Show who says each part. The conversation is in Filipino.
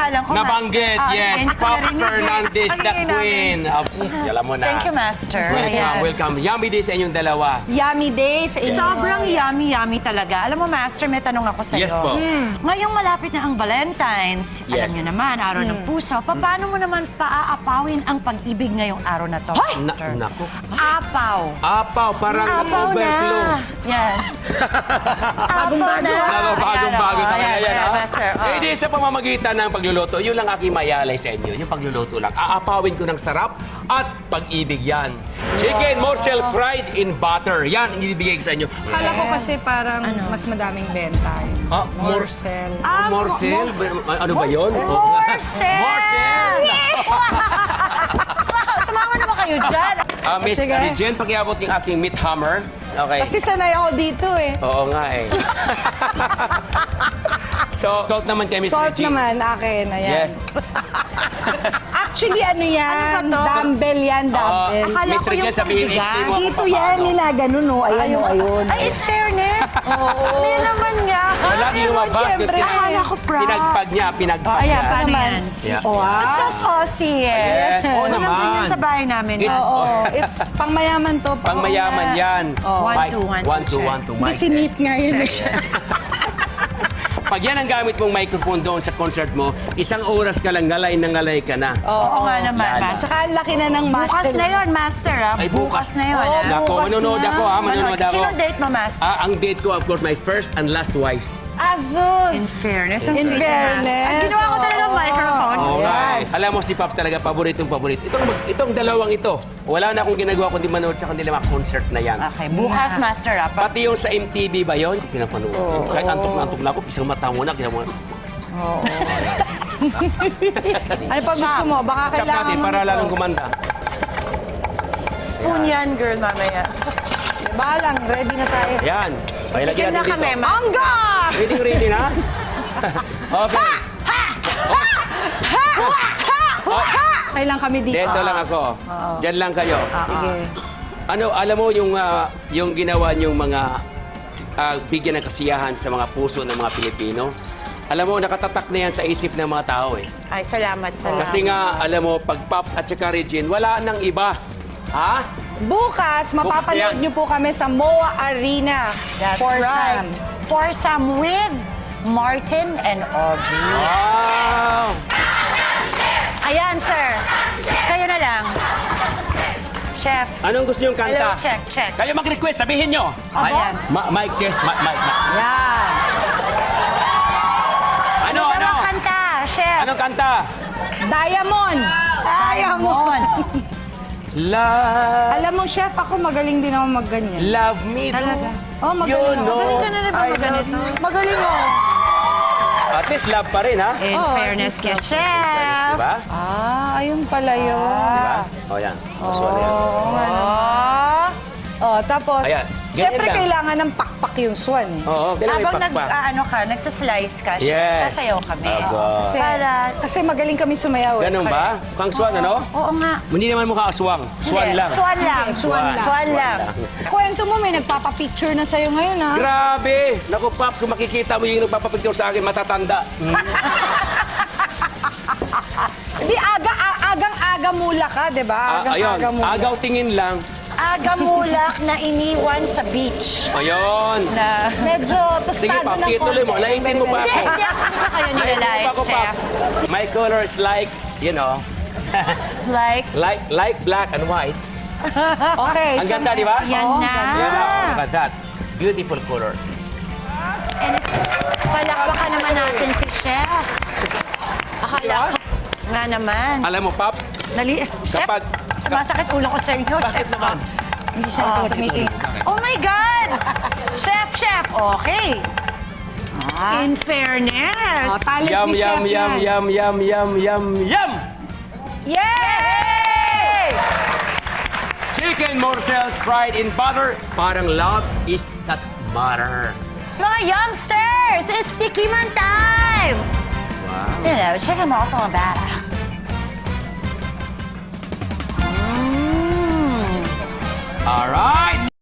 Speaker 1: pangalan ko,
Speaker 2: Nabanggit,
Speaker 1: Master.
Speaker 2: yes.
Speaker 1: Hindi ko
Speaker 2: Pops
Speaker 1: narinig.
Speaker 2: Fernandez, the
Speaker 1: Ang
Speaker 2: queen. Alam mo na.
Speaker 1: Thank you, Master.
Speaker 2: Welcome,
Speaker 1: Ayan.
Speaker 2: welcome. Yummy day sa inyong dalawa.
Speaker 3: Yummy day sa inyo.
Speaker 1: Sobrang yummy talaga. Alam mo, Master, may tanong ako sa'yo.
Speaker 2: Yes po.
Speaker 1: Ngayong malapit na ang Valentine's, alam
Speaker 2: Yes.
Speaker 1: niyo naman, araw ng puso, paano mo naman paaapawin ang pag-ibig ngayong araw na to, Master?
Speaker 2: Naku.
Speaker 1: Apaw.
Speaker 2: Apaw, parang
Speaker 1: Apaw
Speaker 2: overflow.
Speaker 1: na. Yan. Bagong-bago.
Speaker 2: Bagong-bago kami. Ayan, ha?
Speaker 1: Master.
Speaker 2: Eh, di sa pamamagitan ng pagluluto, yun lang aking mayalay sa inyo. Yung pagluluto lang. Aapawin ko ng sarap at pag-ibig yan. Chicken morsel fried in butter. Yan, ang ibibigay ko sa inyo.
Speaker 3: Kala ko kasi parang mas madaming benta.
Speaker 2: Ah,
Speaker 3: Morsel.
Speaker 2: morsel? Ano ba yun?
Speaker 1: Morsel!
Speaker 2: Morsel!
Speaker 1: Tumawa naman kayo dyan.
Speaker 2: Miss
Speaker 3: Sige.
Speaker 2: Regine, pakiabot yung aking meat hammer. Okay.
Speaker 3: Kasi sanay ako dito eh.
Speaker 2: Oo nga eh. So, salt naman kay Miss
Speaker 3: Salt
Speaker 2: Regine.
Speaker 3: naman, akin. Ayan.
Speaker 2: Yes.
Speaker 3: Actually, ano yan?
Speaker 1: Ano ba to?
Speaker 3: Dumbbell yan, dumbbell.
Speaker 1: Akala
Speaker 2: Miss
Speaker 1: ko
Speaker 2: Regine,
Speaker 1: yung
Speaker 2: sabihin,
Speaker 1: pangbigas.
Speaker 2: explain mo ako
Speaker 3: Dito
Speaker 2: paano.
Speaker 3: yan, nilaganon, no? Ayun, ayun.
Speaker 1: Ay, in fairness. Hindi naman nga.
Speaker 2: Walang lumabas.
Speaker 3: Siyempre.
Speaker 1: Akala ko proud.
Speaker 2: Pinagpag niya, pinagpag
Speaker 1: Ayan,
Speaker 2: niya.
Speaker 1: paano
Speaker 3: naman.
Speaker 1: yan?
Speaker 2: Yeah.
Speaker 3: Wow.
Speaker 1: It's so saucy eh.
Speaker 2: Yes, oo
Speaker 1: Walang
Speaker 2: naman.
Speaker 1: ganyan sa bahay namin.
Speaker 2: It's-
Speaker 3: Oo, it's pangmayaman to.
Speaker 2: Pangmayaman yan.
Speaker 1: One,
Speaker 2: Mike,
Speaker 1: two, one, two,
Speaker 2: one, two,
Speaker 1: check.
Speaker 2: one, two,
Speaker 3: Hindi,
Speaker 2: mic
Speaker 3: sinit
Speaker 2: test.
Speaker 3: nga yun.
Speaker 2: Pag yan ang gamit mong microphone doon sa concert mo, isang oras ka lang ngalay na ngalay ka na.
Speaker 1: Oo nga naman,
Speaker 2: Lala.
Speaker 1: Master.
Speaker 3: Saka ang laki na ng
Speaker 1: Bukas
Speaker 3: muscle.
Speaker 1: na yun, Master.
Speaker 2: Ay, bukas.
Speaker 1: na yun.
Speaker 3: Oo,
Speaker 1: ah.
Speaker 2: Nako,
Speaker 3: bukas
Speaker 2: manonood
Speaker 3: na.
Speaker 2: ako ha, manonood ako.
Speaker 1: Sinong date mo, Master?
Speaker 2: Ang date ko, of course, my first and last wife.
Speaker 3: Asus!
Speaker 1: In fairness. ang
Speaker 3: In
Speaker 1: sweet ni
Speaker 3: fairness,
Speaker 1: Master. Ang ginawa ko talaga
Speaker 3: oo.
Speaker 1: microphone.
Speaker 2: Oo nga
Speaker 3: Yes.
Speaker 2: eh. Alam mo si Pops talaga, paboritong paborit. Itong dalawang ito, wala na akong ginagawa kundi manood sa kanila mga concert na yan.
Speaker 1: Okay, bukas, Master.
Speaker 2: Pati yung sa MTV ba yun? Pinapanood. Kahit antok na antok na ako, isang mata mo na, ginawa mo.
Speaker 3: Ano pa gusto mo? Baka
Speaker 2: Chop
Speaker 3: kailangan
Speaker 2: natin
Speaker 3: mo
Speaker 2: para
Speaker 3: nito.
Speaker 2: lalong gumanda.
Speaker 1: Spoon yan, girl, mamaya.
Speaker 3: Baka lang, ready na tayo.
Speaker 2: Ayan. Okay, lagyan
Speaker 1: Bigyan na
Speaker 2: natin
Speaker 1: kami,
Speaker 2: dito.
Speaker 1: Master.
Speaker 3: Angga!
Speaker 2: Ready na? Okay.
Speaker 3: Kailan kami dito?
Speaker 2: Dito lang ako. Diyan lang kayo.
Speaker 3: Sige.
Speaker 2: Ano, alam mo yung ginawa niyong mga bigyan ng kasiyahan sa mga puso ng mga Pilipino? Alam mo, nakatatak na yan sa isip ng mga tao eh.
Speaker 1: Ay, salamat po.
Speaker 2: Kasi nga, alam mo, pag Pops at saka Regine, wala nang iba. Ha?
Speaker 3: Bukas, mapapanood
Speaker 2: yan.
Speaker 3: niyo po kami sa MOA Arena.
Speaker 1: That's
Speaker 3: for
Speaker 1: right.
Speaker 3: Sam.
Speaker 1: Foursome with Martin and Audrey.
Speaker 2: Wow!
Speaker 1: Ayan, sir. Kayo na lang. Chef.
Speaker 2: Anong gusto niyong
Speaker 1: Hello,
Speaker 2: kanta?
Speaker 1: check.
Speaker 2: Kayo mag-request, sabihin niyo.
Speaker 1: Ayan.
Speaker 2: Mike, Chess, Mike.
Speaker 3: Yan.
Speaker 2: Ano?
Speaker 1: Anong kanta, chef?
Speaker 2: Anong kanta?
Speaker 3: Diamond.
Speaker 1: Diamond.
Speaker 2: Love,
Speaker 3: Alam mo, chef, ako magaling din ako magganyan.
Speaker 2: love me
Speaker 1: Talaga?
Speaker 3: Oh, magaling
Speaker 2: You
Speaker 3: ako.
Speaker 2: know.
Speaker 1: Magaling ka na rin ba
Speaker 2: I
Speaker 1: ganito?
Speaker 3: Magaling ako.
Speaker 2: At least love pa rin, ha?
Speaker 1: In
Speaker 3: Oo,
Speaker 1: fairness kay chef.
Speaker 2: Diba?
Speaker 3: Ayun pala yun.
Speaker 2: Diba? O, yan. Gusto na yan.
Speaker 1: Oh.
Speaker 3: Oh, tapos,
Speaker 2: Ayan. Ganyan
Speaker 3: syempre
Speaker 2: lang.
Speaker 3: kailangan ng pakpak yung swan. eh.
Speaker 2: Oo, ganun may
Speaker 1: Habang
Speaker 2: pakpak.
Speaker 1: nagsaslice ka, chef,
Speaker 2: Yes.
Speaker 1: sasayaw kami.
Speaker 2: Aba.
Speaker 3: Kasi magaling kami sumayaw. eh.
Speaker 2: Ganun ba? Kang swan, ano?
Speaker 1: Oo nga.
Speaker 2: Hindi naman mukha aswang. Swan
Speaker 1: Hindi,
Speaker 2: lang.
Speaker 1: Swan lang.
Speaker 2: Swan.
Speaker 1: Swan lang.
Speaker 3: Kwento mo, may nagpapapicture na sa'yo ngayon, ha?
Speaker 2: Grabe! Naku, Pops, kung makikita mo yung nagpapapicture sa akin, matatanda.
Speaker 3: Hindi, agang-aga mula ka, di ba?
Speaker 2: Ayun,
Speaker 3: Agang-aga mula.
Speaker 2: agaw tingin lang.
Speaker 1: Agamulak na iniwan sa beach.
Speaker 2: Ayun.
Speaker 1: Na...
Speaker 3: Medyo
Speaker 2: Sige,
Speaker 3: tostado
Speaker 2: Pops,
Speaker 3: ng
Speaker 2: sige, tuloy mo.
Speaker 3: konti.
Speaker 2: Laitin mo pa ako.
Speaker 1: Hindi ko kayo nilalait,
Speaker 2: Ako,
Speaker 1: chef.
Speaker 2: Pops. My color is like, you know,
Speaker 1: Like,
Speaker 2: like black and white.
Speaker 3: Okay.
Speaker 2: Ang ganda, di ba?
Speaker 1: yan
Speaker 3: Oo,
Speaker 1: na.
Speaker 2: Yan na, oh, look at that. Beautiful color.
Speaker 1: And palakpakan naman natin si chef. Akala ko nga naman.
Speaker 2: Alam mo, Pops,
Speaker 1: Chef,
Speaker 2: Kapag-
Speaker 1: sumasakit ulo ko sa inyo,
Speaker 2: bakit
Speaker 1: chef.
Speaker 2: naman?
Speaker 3: Hindi siya natawa sa meeting.
Speaker 1: Oh my God! Chef, okay. In fairness.
Speaker 3: Oh, talent
Speaker 2: Yum,
Speaker 3: ni
Speaker 2: yum,
Speaker 3: chef
Speaker 2: yum,
Speaker 3: yan.
Speaker 2: yum, yum, yum, yum, yum!
Speaker 3: Yay!
Speaker 2: Chicken morsels fried in butter. Parang love is that butter.
Speaker 1: Mga youngsters, it's Tikiman time!
Speaker 2: Wow.
Speaker 1: You know, chicken morsel and batter.
Speaker 2: All right.